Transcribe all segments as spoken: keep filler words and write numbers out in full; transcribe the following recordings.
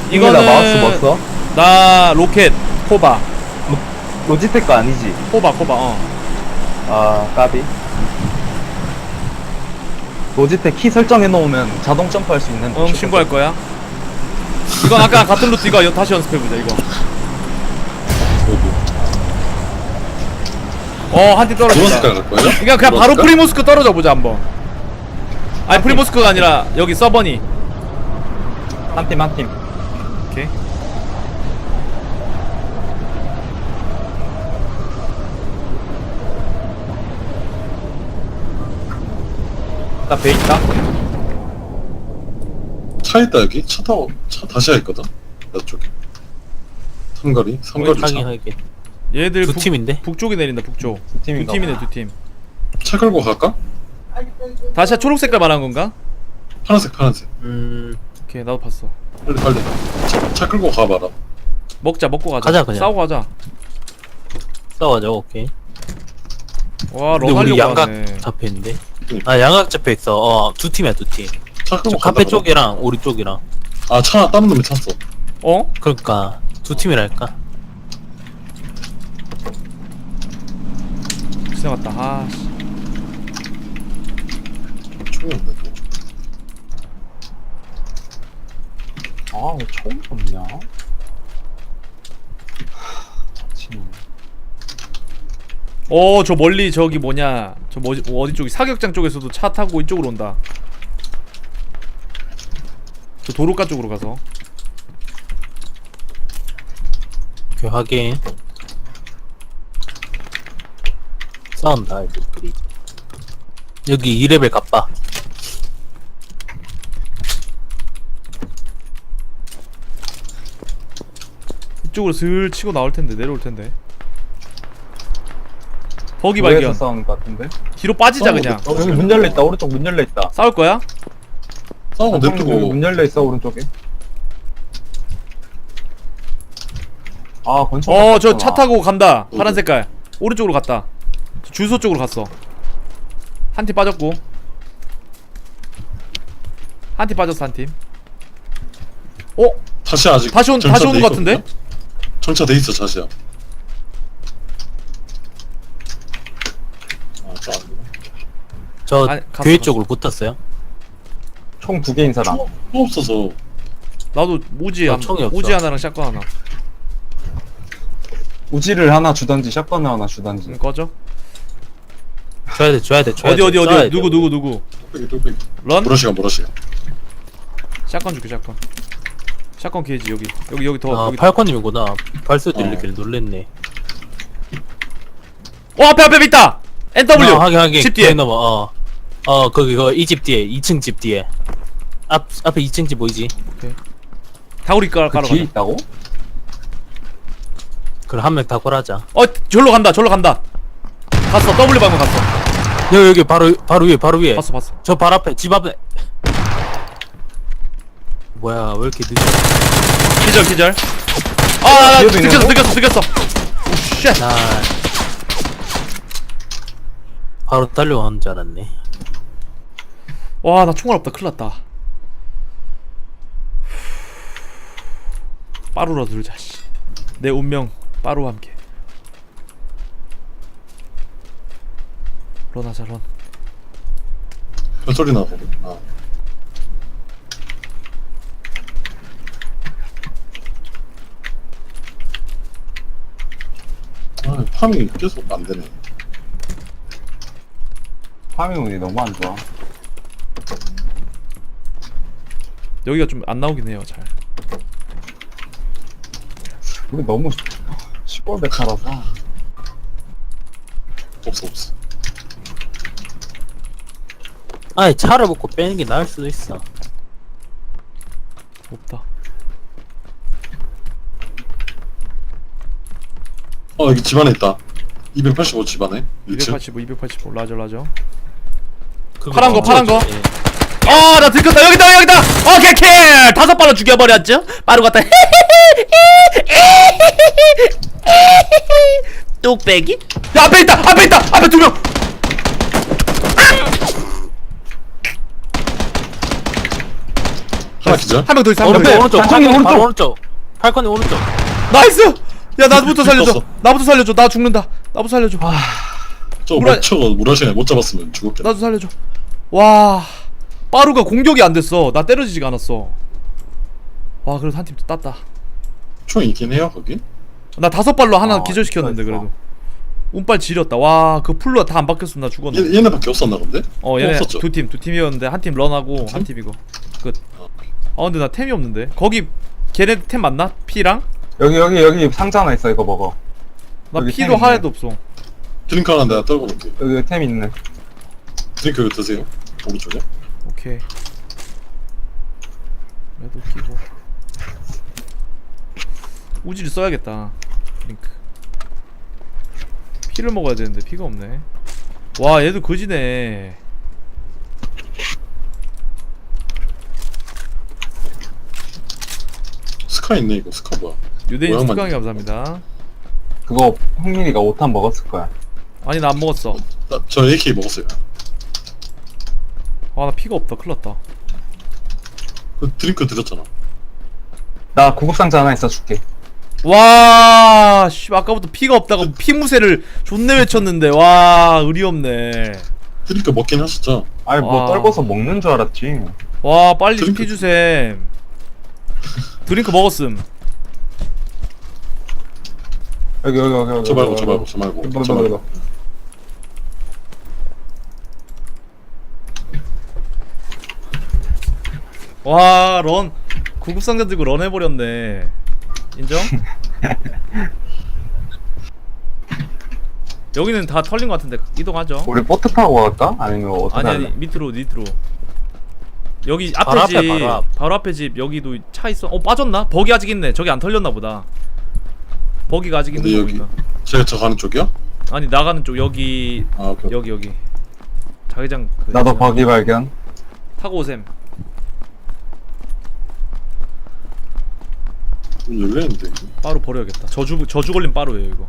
이거는 마우스 뭐 써? 나 로켓 코바. 로지텍 거 아니지? 코바 코바. 어. 아 까비. 로지텍 키 설정해 놓으면 자동 점프할 수 있는. 응, 신고할 거야. 이건 아까 같은 루트 이거 다시 연습해보자 이거. 어, 한 팀 떨어진다. 노란색깔 갈 거예요? 그냥 그냥 바로 프리모스크 떨어져 보자 한번. 아니 프리모스크가 아니라 여기 서버니. 한 팀 한 팀. 오케이. 나 배 있다. 차 있다 여기? 차 타고 차 다시야 있거든? 나 쪽에 삼거리? 삼거리 하긴 차. 하긴 얘들 두 북, 팀인데? 북쪽이 내린다 북쪽. 두 두 팀인가 팀이네 두 팀. 차 끌고 갈까? 다시야 초록 색깔 말한 건가? 파란색 파란색 음 오케이 나도 봤어. 빨리 빨리 차, 차 끌고 가봐라. 먹자 먹고 가자. 가자, 그냥. 싸우고 가자. 싸워자. 오케이. 와 근데 우리 런하려고 양각 하네. 잡혀있는데. 아 양각 잡혀있어. 어 두 팀이야 두팀. 차 끌고 카페 가다가 쪽이랑 우리 쪽이랑. 아차 다른 놈이 찼어. 어? 그러니까 두 팀이랄까. 지나갔다. 아 씨. 총이 없네 또. 아, 왜 처음 없냐? 어, 저 멀리 저기 뭐냐? 저 뭐지? 어디 쪽이 사격장 쪽에서도 차 타고 이쪽으로 온다. 저 도로가 쪽으로 가서. 오케이 확인. 싸운다 애들끼리. 여기 이 레벨 갑바. 이쪽으로 슬 치고 나올 텐데 내려올 텐데. 버기 도로에서 발견. 싸우는 것 같은데? 뒤로 빠지자 싸우고 그냥. 있다. 어, 여기 문 열려 있다. 오른쪽 문 열려 있다. 싸울 거야? 싸우고 여기 냅두고 문 열려 있어 오른쪽에. 아, 권총. 어, 저 차 탔구나. 타고 간다. 파란 어디? 색깔. 오른쪽으로 갔다. 저 주소 쪽으로 갔어. 한 팀 빠졌고. 한 팀 빠졌어 한 팀. 어? 다시 아직 다시 온- 정차 다시 오는 돼 것 같은데? 있거든요? 정차돼 있어 다시야. 아저 아니구나. 저 아니, 갔어, 교회 갔어. 쪽으로 붙었어요. 총 두 개인 사람. 총 총 없어서 나도 우지 나 한, 총이 없어. 우지 하나랑 샷건 하나. 우지를 하나 주던지 샷건을 하나 주던지. 응, 꺼져. 줘야 돼 줘야 돼 줘야 어디 돼. 어디 싸워야 어디 돼. 누구 누구 누구. 뚝배기 뚝배기. 런? 보라시간 보라시간. 샷건 줄게 샷건. 샷건 게이지 여기 여기 여기 더 아 여기. 팔콘님이구나. 발소 어. 들리길 놀랬네. 어 앞에 앞에 있다. 엔더블유. 어, 하긴 하긴. 집 뒤에. 거기 넘어. 어. 어 거기 그 이 집 뒤에 이 층 집 뒤에. 앞 앞에 이 층 집 보이지? 다구리 깔 그 깔아 뒤에 가자. 있다고? 그럼 한 명 다 걸하자. 어 절로 간다 절로 간다. 갔어 W 방금 갔어. 여기 여기 바로 바로 위에 바로 위에. 봤어 봤어. 저 발 앞에 집 앞에. 뭐야 왜 이렇게 늦어? 기절 기절. 아 뒤에도 느꼈어 있는 느꼈어 느꼈어. 오 쉣. 나 바로 달려가는 줄 알았네. 와 나 총알 없다 큰일났다. 빠루라 들자 씨. 내 운명 빠루와 함께. 런하자 런. 별소리 나고. 아. 아 팜이 계속 안 되네. 파밍 운이 너무 안 좋아. 여기가 좀 안 나오긴 해요 잘. 우리 너무 시골 베타라서. 없어 없어. 아니 차를 먹고 빼는 게 나을 수도 있어. 없다. 어 여기 집 안에 있다. 이백팔십오 집 안에. 이 층. 이백팔십오 이백팔십오 라저 라저. 그거 파란 거, 어, 파란 거. 예. 아, 나 들켰다. 여기다, 여기다. 오케이, 킬. 다섯 발로 죽여버렸죠. 빠루 갔다. 뚝배기? 야, 앞에 있다. 앞에 있다. 앞에 두 명. 하나 기절. 한 명 더 있어 한 명 오른쪽 더 있어. 오른쪽 단청이 팔콘이 바로 오른쪽. 오른쪽 팔콘이 오른쪽 나이스. 야 나부터 살려줘. 떴어. 나부터 살려줘. 나 죽는다. 나부터 살려줘. 저거 무라- 못 쳐가 무라시네 못 잡았으면 죽었겠다. 나도 살려줘. 와 빠루가 공격이 안 됐어. 나 때려지지가 않았어. 와 그래도 한 팀 땄다. 총 있긴 해요 거기. 나 다섯 발로 하나 아, 기절시켰는데 있어, 있어. 그래도 운빨 지렸다. 와 그 풀로 다 안 바뀌었으면 나 죽었네. 얘, 얘네밖에 없었나 본데? 어 얘네 없었죠? 두 팀 두 팀이었는데 한 팀 런하고 한 팀 이거 끝. 아 근데 나 템이 없는데 거기 걔네 템 맞나? 피랑? 여기 여기 여기 상자 하나 있어. 이거 먹어. 나 여기 피도 템 있네. 하나도 없어. 드링크 하나 내가 떨고 볼게. 여기 템 있네. 드링크 이거 드세요. 오른쪽에. 오케이. 얘도 끼고 우지를 써야겠다. 링크. 피를 먹어야 되는데 피가 없네. 와 얘도 거지네. 스카 있네 이거 스카 뭐야? 유대인 모양만 축강이 있네. 감사합니다. 그거 흥민이가 오 탄 먹었을 거야. 아니 나 안 먹었어. 나, 저 에이케이 먹었어요. 아 나 피가 없다. 큰일났다. 그 드링크 드렸잖아. 나 구급 상자 하나 있어 줄게. 와, 씨, 아까부터 피가 없다고 피무새를 존내 외쳤는데, 와, 의리 없네. 드링크 먹긴 하셨죠? 아니 뭐 와. 떨궈서 먹는 줄 알았지. 와, 빨리 좀 드링크- 피 주셈. 드링크 먹었음. 여기 여기 여기 여기. 저 말고 저 말고 저 말고 이거, 저 이거, 말고. 이거. 와, 런. 구급상자 들고 런 해버렸네. 인정? 여기는 다 털린 것 같은데, 이동하죠. 우리 보트 타고 갈까? 아니면 어떻게 아니, 할래? 아니, 밑으로, 밑으로. 여기 앞에 바로 집, 앞에, 바로 앞. 바로 앞에 집, 여기도 차 있어. 어, 빠졌나? 버기 아직 있네. 저기 안 털렸나 보다. 버기가 아직 있는 근데 거 여기 보니까. 제가 저 가는 쪽이요? 아니 나가는 쪽 여기 아 오케이. 여기 여기 자기장 그 나도 있잖아. 버기 발견. 타고 오셈. 문 열려있는데 이거. 빠루 버려야겠다. 저주 저주 걸린 빠루예요 이거.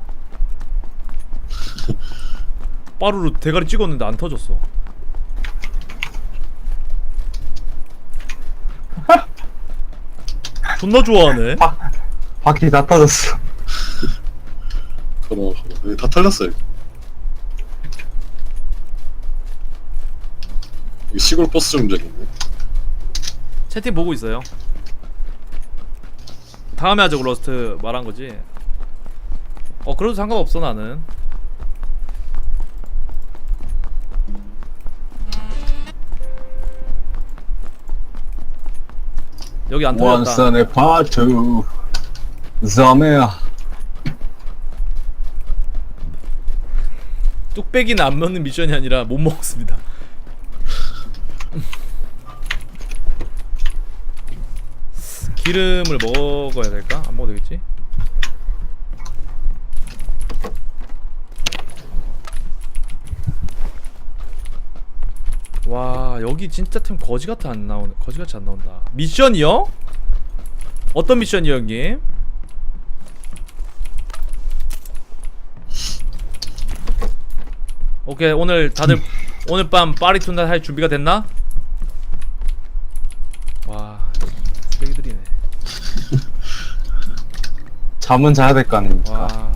빠루로 대가리 찍었는데 안 터졌어. 존나 좋아하네. 바퀴 다 터졌어. 걸어 걸어. 여기 다 털렸어요. 여기 시골 버스 정류장 있네. 채팅 보고 있어요. 다음에 하자고 러스트 말한 거지. 어 그래도 상관없어 나는. 여기 안 털렸다. 원선의 파트. 점이야. 뚝배기는 안 먹는 미션이 아니라 못 먹었습니다. 기름을 먹어야 될까? 안 먹어도 되겠지? 와 여기 진짜 템 거지같이 안 나오네. 거지같이 안 나온다. 미션이요? 어떤 미션이요 형님? 오케이 오늘 다들 오늘 밤 파리툰날 할 준비가 됐나? 와 쓰레기들이네. 잠은 자야 될 거 아닙니까? 와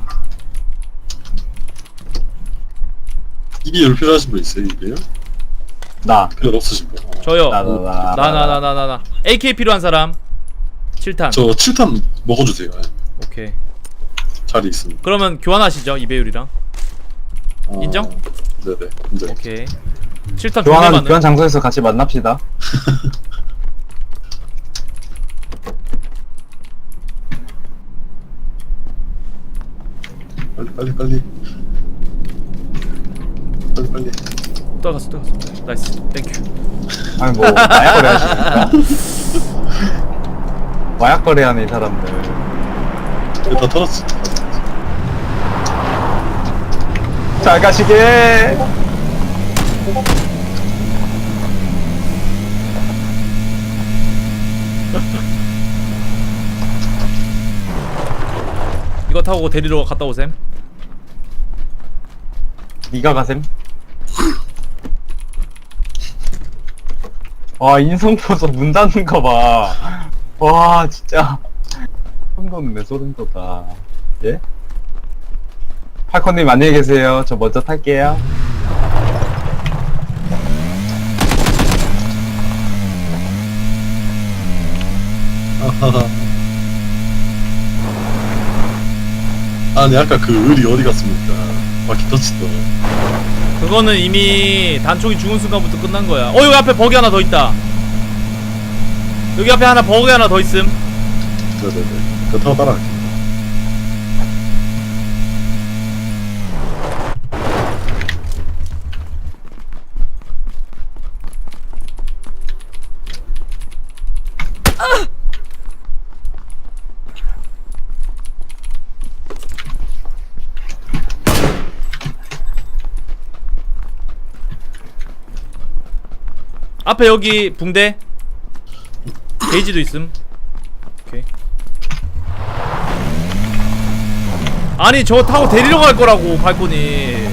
이게 열 필요하신 분 있어요? 이게요? 나. 필요 없으신 분? 어. 저요. 나, 나, 나, 나 나 나 나 나 나 에이케이 필요한 사람 칠 탄. 저 칠 탄 먹어주세요. 예. 오케이. 자리 있습니다. 그러면 교환하시죠 이배율이랑. 아, 인정? 네네. 인정. 오케이. 칠 탄 존나 교환하는 많네. 교환 장소에서 같이 만납시다. 빨리 빨리 빨리. 빨리 빨리. 또 갔어 또 갔어. 나이스. 땡큐. 아니 뭐 마약 거래 하십니까? 마약 거래하는 이 사람들. 이거 다 털었어. 잘 가시게. 이거 타고 데리러 갔다 오셈. 니가 가셈. 와, 인성 보소 문 닫는 거 봐. 와, 진짜. 소름 돋네, 소름 돋아. 예? 팔콘님 안녕히 계세요. 저 먼저 탈게요. 아하하. 아니 아까 그 을이 어디 갔습니까? 바퀴 터치던. 그거는 이미 단총이 죽은 순간부터 끝난 거야. 어, 여기 앞에 버기 하나 더 있다. 여기 앞에 하나 버기 하나 더 있음. 네네네. 그거 타고 따라갈게. 앞에 여기 붕대 게이지도 있음. 오케이. 아니 저거 타고 데리러 갈 거라고 발코니.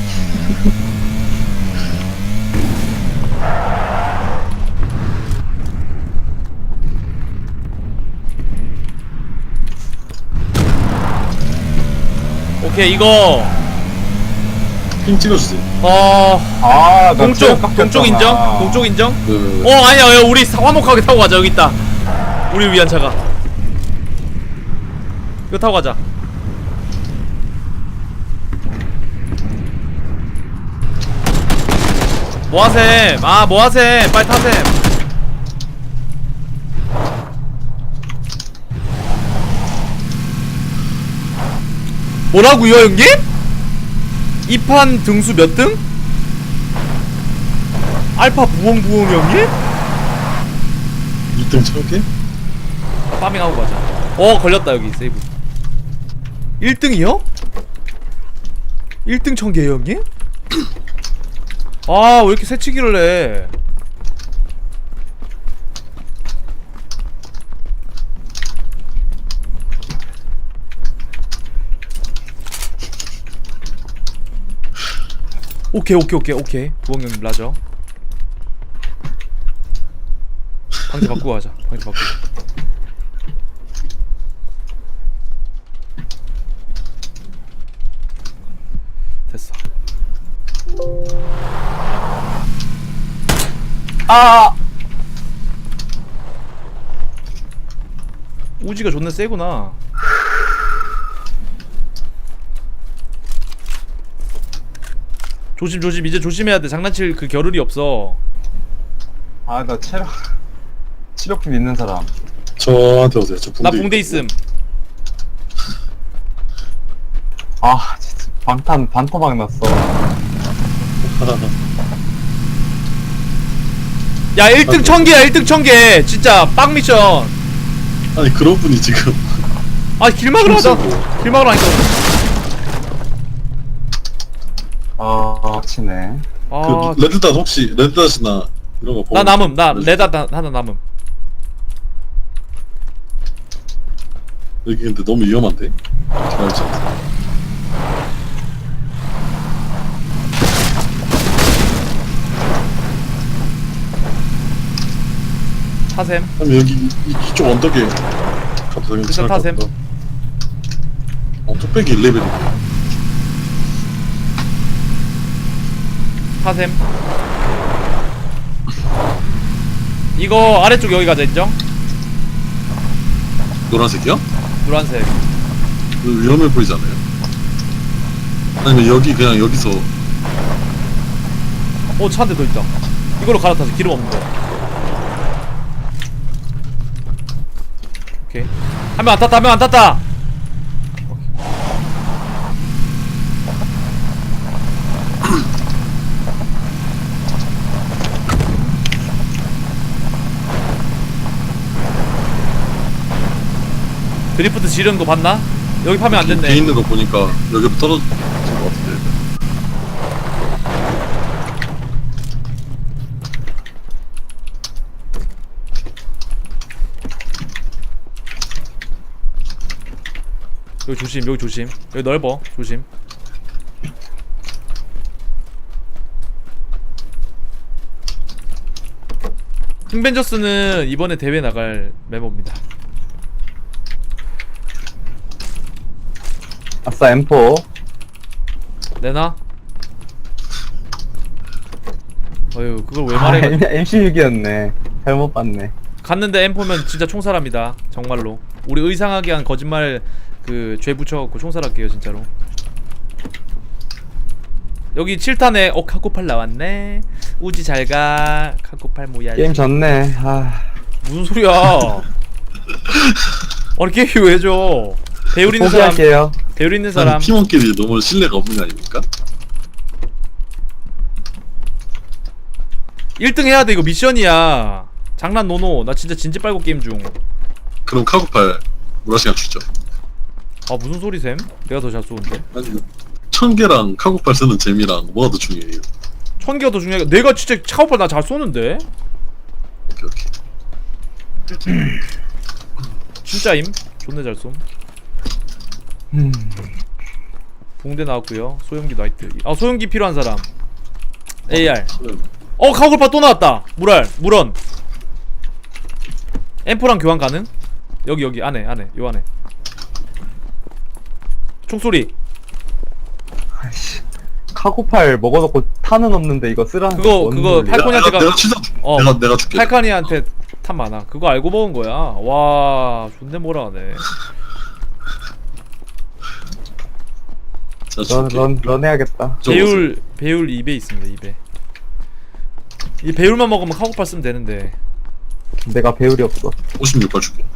오케이 이거 핑 찍어주세요. 어 아, 나 동쪽 체력 깎였잖아. 동쪽 인정? 동쪽 인정? 그 어 아니야 야, 우리 사- 화목하게 타고 가자. 여기 있다 우리 위한 차가. 이거 타고 가자. 뭐하셈 아 뭐하셈 빨리 타셈. 뭐라고요 형님? 이 판 등수 몇 등? 알파 부엉부엉 형님? 이 등 참게? 파밍하고 가자. 어 걸렸다 여기 세이브. 일 등이요? 일 등 천개요 형님? 아 왜 이렇게 새치기를 해. 오케이 오케이 오케이 오케이 부엉 형님 라죠. 방지 바꾸고 가자. 방지 바꾸고. 됐어. 아! 우지가 존나 세구나. 조심 조심 이제 조심해야 돼. 장난칠 그 겨를이 없어. 아, 나 체력, 치료품 있는 사람. 저한테 오세요. 저 붕대. 나 붕대 있음. 아, 진짜. 방탄, 반토막 났어. 야 일 등 천개야. 일 등 천개 진짜 빵 미션. 아니 그런 분이 지금 아 길막을 하자. 힘쓰고. 길막을 하니까. 아, 치네. 아, 그 레드닷 혹시 레드닷이나 이런 거 보고 나 남음. 나 레드- 레다 나- 하나 남음. 여기 근데 너무 위험한데? 잘알지 않아. 타셈. 그럼 여기 이, 이쪽 언덕에 가도 되겠 일단 타셈. 어 뚝배기 일 레벨이네. 타셈. 이거 아래쪽 여기 가자. 인정? 노란색이요? 노란색. 이거 위험해 보이잖아요. 아니면 여기 그냥 여기서 어 차 한 대 더 있다. 이걸로 갈아타자. 기름 없는 거. 오케이. 한 명 안 탔다. 한 명 안 탔다. 드리프트 지르는 거 봤나? 여기 파면 안 뒤에 됐네. 있는 거 보니까 여기 떨어진 거 같은데. 여기 조심. 여기 조심. 여기 넓어. 조심. 킹벤저스는 이번에 대회 나갈 멤버입니다. 아싸 엠포. 내놔? 어휴 그걸 왜 아, 말해. 엠씨육이었네. 잘못 봤네. 갔는데 엠포면 진짜 총살합니다. 정말로. 우리 의상하게 한 거짓말 그 죄 붙여갖고 총살할게요 진짜로. 여기 칠 탄에 어 카코팔 나왔네. 우지 잘가. 카코팔 뭐야. 게임 졌네. 아, 무슨 소리야. 아니 게임 왜 줘. 배울 있는 사람. 포기할게요. 배울 있는 사람. 팀원끼리 너무 신뢰가 없는 거 아닙니까? 일 등 해야 돼. 이거 미션이야. 장난 노노. 나 진짜 진지 빨고 게임 중. 그럼 카고팔 무라시간 주죠. 아 무슨 소리 셈? 내가 더 잘 쏘는데. 아니 천 개랑 카고팔 쓰는 재미랑 뭐가 더 중요해요? 천 개가 더 중요해. 내가 진짜 차오팔 나 잘 쏘는데. 오케이 오케이. 진짜임. 존나 잘 쏨. 음. 붕대 나왔고요. 소형기 나이트. 아 소형기 필요한 사람. 에이알. 그럼 어 카고팔 또 나왔다. 물알 물원. 엠포랑 교환 가능? 여기 여기 안에 안에 요 안에. 총소리. 아이씨. 카고팔 먹어놓고 탄은 없는데 이거 쓰라는 그거, 건 그거 뭔 소리야? 팔- 팔콘이한테가- 내가, 내가 치사 줄게. 어. 내가 내가 줄게. 팔카니한테 탑 많아. 그거 알고 먹은 거야. 와 존내 뭐라 하네. 자 런, 줄게. 런, 런 해야겠다. 저 배율 배율 이 배 있습니다. 이 배. 이 배율만 먹으면 카고팔 쓰면 되는데. 내가 배율이 없어. 오십육 발 줄게.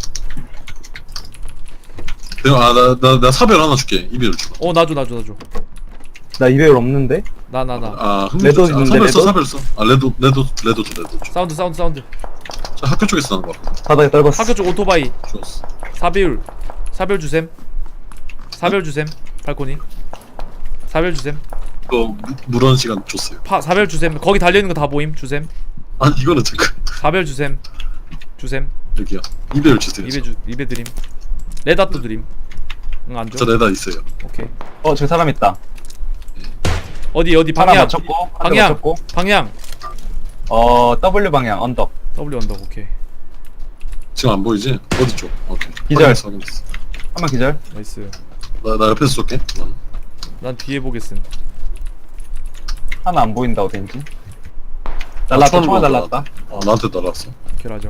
내가 아나나나 사별 하나 줄게. 이별 줘. 어 나줘 나줘 나줘. 나 이 배율 없는데? 나 나 나. 아 레드 아, 있는데, 사별 써 레드? 사별 써. 아 레드 레드 레드 줘 레드 줘. 사운드 사운드 사운드. 자 학교 쪽에서 나는 거 같아. 바닥에 떨궜어. 학교 쪽 오토바이. 좋았어. 사배율. 사별 주셈. 사별 주셈. 팔코니. 사별 주셈. 이거 무- 무런 시간 줬어요. 파 사별 주셈. 거기 달려 있는 거 다 보임. 주셈. 아니 이거는 잠깐 사별 주셈. 주셈. 여기야. 이별 주세요. 입에 주 입에 드림. 레다또 드림. 응 안 줘. 저 레다 있어요. 오케이. 어, 저기 사람 있다. 어디 어디 하나 방향. 맞췄고, 한 대 방향. 맞췄고. 방향. 어, W 방향, 언덕. W 언덕 오케이. 지금 안 보이지? 어디 쪽? 오케이. 기절. 확인했어, 확인했어. 한 명 기절. 나이스. 나, 나 옆에서 쏠게. 난. 난 뒤에 보겠음. 하나 안 보인다, 어딘지. 날랐다, 처음 총알 보다. 날랐다. 아, 나한테 날았어. 오케이 라죠.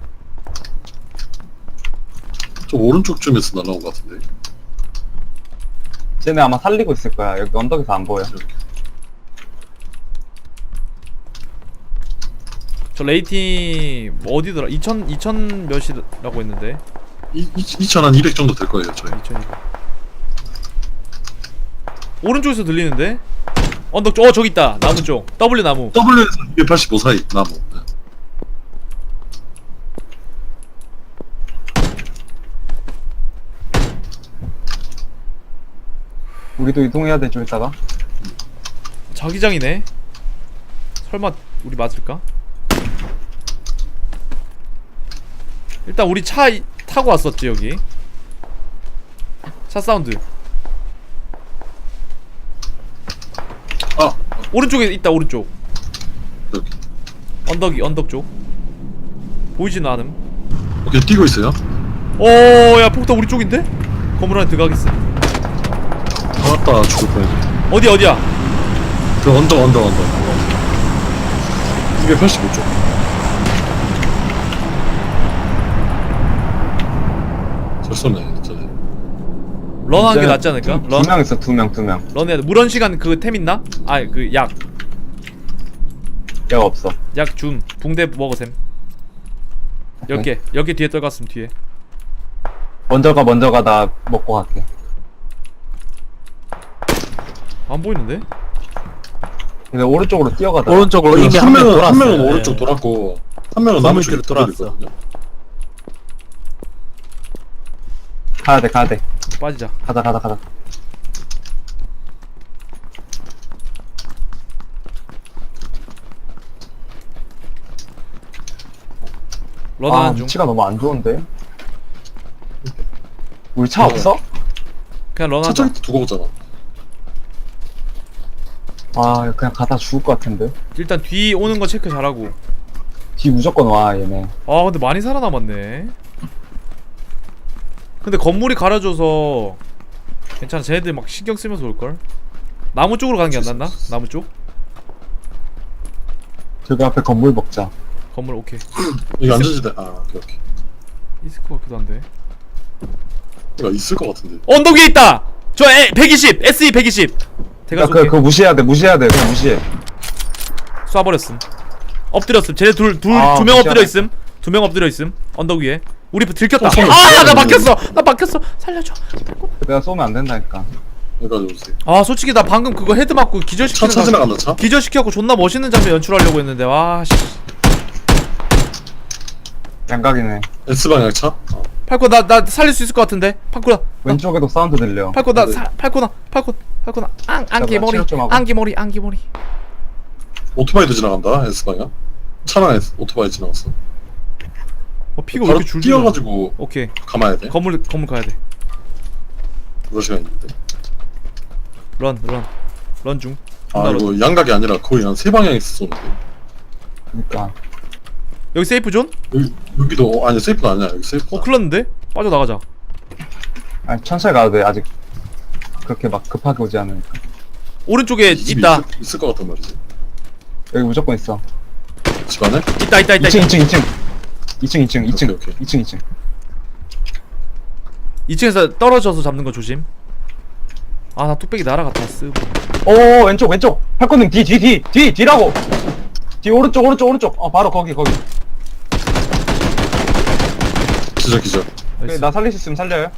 저 오른쪽 쪽에서 날아온 것 같은데. 쟤네 아마 살리고 있을 거야. 여기 언덕에서 안 보여. 이렇게. 저 레이팅 뭐 어디더라? 이천 이천 몇이라고 했는데. 이, 이, 이천 한 이백 정도 될 거예요, 저희. 이천이백. 오른쪽에서 들리는데? 언덕 쪽. 어 저기 있다. 나무 쪽. W 나무. W에서 이백팔십오 사이, 나무. 네. 우리도 이동해야 돼, 좀 이따가. 자기장이네. 설마 우리 맞을까? 일단 우리 차 이- 타고 왔었지 여기. 차 사운드. 아, 오른쪽에 있다 오른쪽. 여기. 언덕이 언덕 쪽. 보이진 않음. 오케이, 뛰고 있어요. 오야 폭탄 우리 쪽인데? 건물 안에 들어가겠어. 아따, 죽을 뻔했네. 어디 어디야? 그 언덕, 언덕, 언덕. 이백팔십오 쪽. 잘 쏘네, 저네. 런하는 게 낫지 않을까? 런? 두 명 있어, 두 명, 두 명. 런해야 돼. 무런 시간 그 템 있나? 아 그 약. 약 없어. 약 줌. 붕대 먹어셈. 열 개. 열 개 뒤에 떨갔음 뒤에. 먼저 가, 먼저 가. 나 먹고 갈게. 안 보이는데? 근데 오른쪽으로 뛰어가다. 오른쪽으로 이미 한 한 명 명은, 돌았어. 한 명은 오른쪽 돌았고, 한 명은 나무 쪽에 건물 뒤로 돌았거든요. 가야 돼, 가야 돼. 빠지자. 가자, 가자, 가자. 아, 런하는 중. 위치가 너무 안 좋은데? 우리 차 어. 없어? 그냥 런하자. 차저기 두고 오잖아. 아, 그냥 가다 죽을 것 같은데. 일단 뒤 오는 거 체크 잘하고. 뒤 무조건 와 얘네. 아 근데 많이 살아남았네. 근데 건물이 가려져서 괜찮아. 쟤네들 막 신경 쓰면서 올걸. 나무 쪽으로 가는 게 안 낫나? 나무 쪽? 저기 앞에 건물 먹자. 건물 오케이. 여기 안전지대. 아 오케이 오케이. 있을 것 같기도 한데. 그러니까 있을 것 같은데. 언덕 위에 있다! 저 에, 백이십! 에스이 백이십! 대가 야, 그, 쏠게. 그거 무시해야 돼, 무시해야 돼, 그거 무시해. 쏴버렸음. 엎드렸음. 쟤네 둘, 둘, 아, 두 명 무시하네. 엎드려 있음. 두 명 엎드려 있음. 언덕 위에. 우리 들켰다. 어, 손을 아! 나 쏘면 막혔어! 나 막혔어! 살려줘. 내가 쏘면 안 된다니까. 여기까지 오세요. 아, 솔직히 나 방금 그거 헤드 맞고 차, 기절시키는 차 거. 지나간다 차. 기절시켜갖고 존나 멋있는 장면 연출하려고 했는데, 와, 씨. 양각이네. S방향 차. 어. 팔코, 나, 나 살릴 수 있을 것 같은데? 팔코나. 왼쪽에도 사운드 들려. 팔코, 나, 네. 사, 팔코나. 팔코, 팔코나. 앙, 잠깐만, 안기머리. 치료 좀 하고. 안기머리, 안기머리. 오토바이도 지나간다. S방향. 차랑 S, 오토바이 지나갔어. 어, 피가 왜 바로 이렇게 줄줄. 뛰어가지고 오케이. 감아야 돼. 건물, 건물 가야 돼. 그럴 시간 있는데. 런, 런. 런 중. 아 존나 런. 이거 양각이 아니라 거의 한 세 방향에서 쏘는데. 그니까. 여기 세이프 존? 여기 여기도 어, 아니 세이프가 아니야. 여기 세이프. 어, 큰일 났는데? 빠져나가자. 아니, 천천히 가도 돼, 아직. 그렇게 막 급하게 오지 않으니까. 오른쪽에 있다. 있을, 있을 것 같단 말이지. 여기 무조건 있어. 집 안에? 있다, 있다, 있다. 이 층, 이 층, 이 층. 이 층, 이 층, 이 층. 오케이, 오케이. 이 층, 이 층. 이 층에서 떨어져서 잡는 거 조심. 아, 나 뚝배기 날아갔다. 쓰. 오, 왼쪽, 왼쪽. 팔콘님, 뒤, 뒤, 뒤, 뒤, 뒤라고! 뒤, 오른쪽, 오른쪽, 오른쪽. 어, 바로 거기, 거기. 기절 기절. 나이스. 나 살릴 수 있으면 살려요.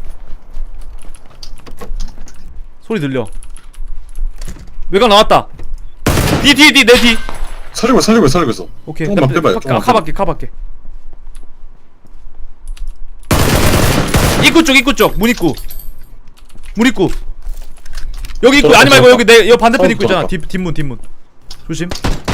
소리 들려. 외곽 나왔다. 뒤, 뒤, 뒤, 내 뒤. 살리고 있어, 살리고 있어, 살리고 있어. 오케이. 조금만 나- 빼봐요, 카- 조금만 카밖에, 카밖에. 입구 쪽, 입구 쪽. 문 입구. 문 입구. 여기 입구. 저거, 아니 말고 저거. 여기 내, 여기 반대편 저거, 입구 있잖아. 저거. 뒷, 뒷문, 뒷문. 조심.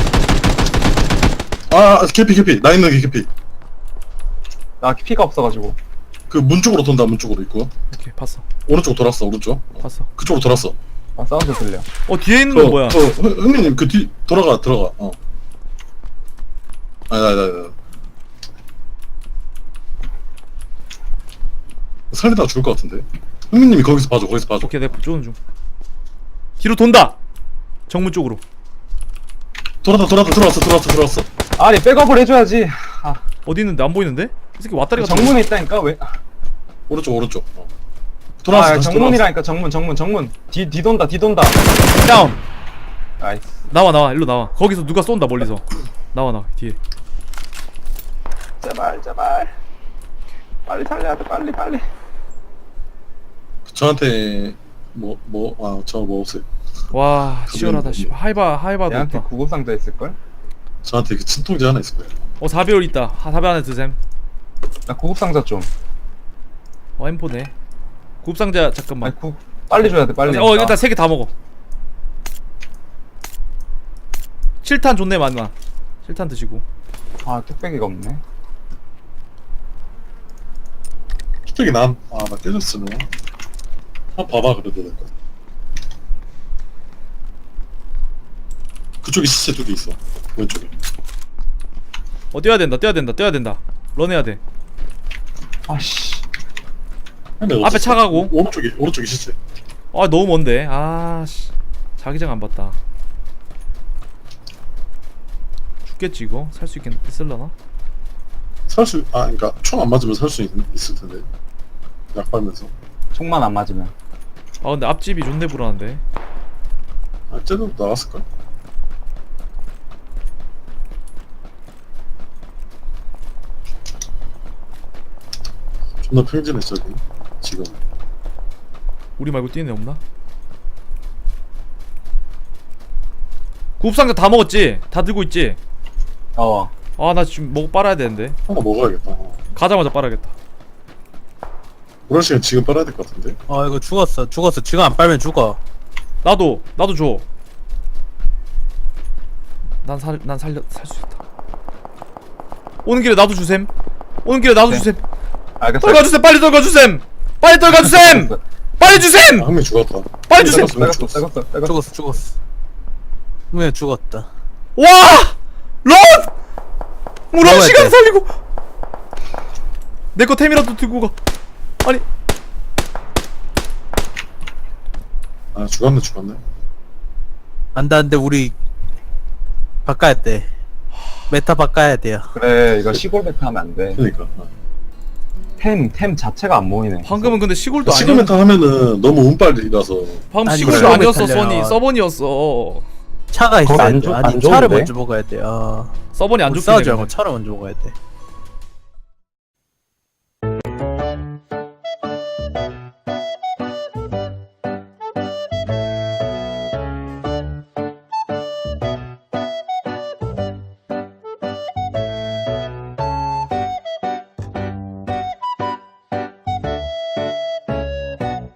아, 아 개피 개피. 나 있는 게 개피. 나 피가 없어가지고. 그 문 쪽으로 돈다. 문 쪽으로 있고. 오케이, 봤어. 오른쪽 돌았어. 오른쪽. 어, 봤어. 그쪽으로 돌았어. 아, 사운드 들려. 어, 뒤에 있는 건 뭐야? 어, 흥- 흥민님 그 뒤 돌아가 들어가. 어. 아니, 아니, 아니, 아니. 살리다가 죽을 것 같은데. 흥민님이 거기서 봐줘. 거기서 봐줘. 오케이, 내가 쪼는 중. 뒤로 돈다. 정문 쪽으로. 돌았다, 돌았다, 들어왔어, 들어왔어, 들어왔어. 아니, 백업을 해줘야지. 아, 어디 있는데? 안 보이는데? 이 새끼 왔다리가 정문에 있다니까, 왜? 오른쪽, 오른쪽. 어. 돌아왔어. 아, 다시 정문이라니까, 정문, 정문, 정문. 뒤, 뒤 돈다, 뒤 돈다. 다운. 나이스. 나와, 나와. 일로 나와. 거기서 누가 쏜다 멀리서. 나와, 나와. 뒤에. 제발, 제발. 빨리 살려야 돼, 빨리, 빨리. 돌아왔어. 저한테 뭐, 뭐, 아, 저 뭐 없어요. 와, 치열하다. 씨. 하이바, 하이바도 얘한테 있다. 구급상자 있을걸? 저한테 그 진통제 하나 있을 거예요. 어, 사 배율 있다. 하, 사 배 안에 드셈. 나 구급상자 좀. 어, 엠포네. 굽상자 잠깐만. 아니, 구, 빨리 줘야 돼, 빨리. 어, 일단 세 개 다 먹어. 칠 탄 좋네, 많아. 칠 탄 드시고. 아, 뚝배기가 없네. 갑자기 난, 아, 나 깨졌어, 너. 한 봐봐, 그래도 될 거. 그쪽에 시체 두 개 있어. 왼쪽에. 어, 뛰어야 된다, 뛰어야 된다, 뛰어야 된다. 런해야 돼. 아씨. 근데 앞에 어쨌든 차 가고. 오- 오른쪽에, 오른쪽에 시체. 아, 너무 먼데. 아, 씨. 자기장 안 봤다. 죽겠지, 이거? 살 수 있겠, 있을라나? 살 수, 아, 그니까, 총 안 맞으면 살 수 있을 텐데. 약 빨면서. 총만 안 맞으면. 아, 근데 앞집이 존내 불안한데. 아, 쟤도 나갔을걸? 존나 평진해, 저기. 지금. 우리 말고 뛰는 애 없나? 굽상자 다 먹었지? 다 들고 있지? 어. 아, 나 지금 먹어 빨아야 되는데. 하나 먹어야겠다. 어. 가자마자 빨아야겠다. 그럴 시간 지금 빨아야 될 것 같은데? 어 이거 죽었어 죽었어 지금 안 빨면 죽어. 나도, 나도 줘. 난 살, 난 살려, 살 수 있다. 오는 길에 나도 주셈. 오는 길에 나도 네. 주셈. 알겠어. 떨궈주셈, 빨리 떨궈주셈. 빨리 떨궈주셈. 빨리 주셈. 아, 한 명 죽었다. 빨리 주셈. 한 명 빼갔어, 죽었어. 빼갔어, 빼갔어. 죽었어 죽었어. 왜 죽었다. 와! 런! 물어 먹어야 시간 돼. 살리고. 내 거 템이라도 들고 가. 아니 아 죽었네 죽었네. 안돼 안돼 우리 바꿔야 돼. 메타 바꿔야 돼요. 그래 이거 시골 메타 하면 안돼. 그러니까. 템, 템 자체가 안 모이네. 방금은 근데 시골도 아니었. 시그메타 하면은 너무 운빨이라서. 방금 아니, 시골도 그래. 아니었어. 달려. 써니 서번이었어. 차가 거기 있어야 안 돼. 좋- 아니 안 차를 좋은데? 먼저 먹어야 돼. 어. 서번이 안 우리 좋긴 싸우지 해. 말고 차를 먼저 먹어야 돼.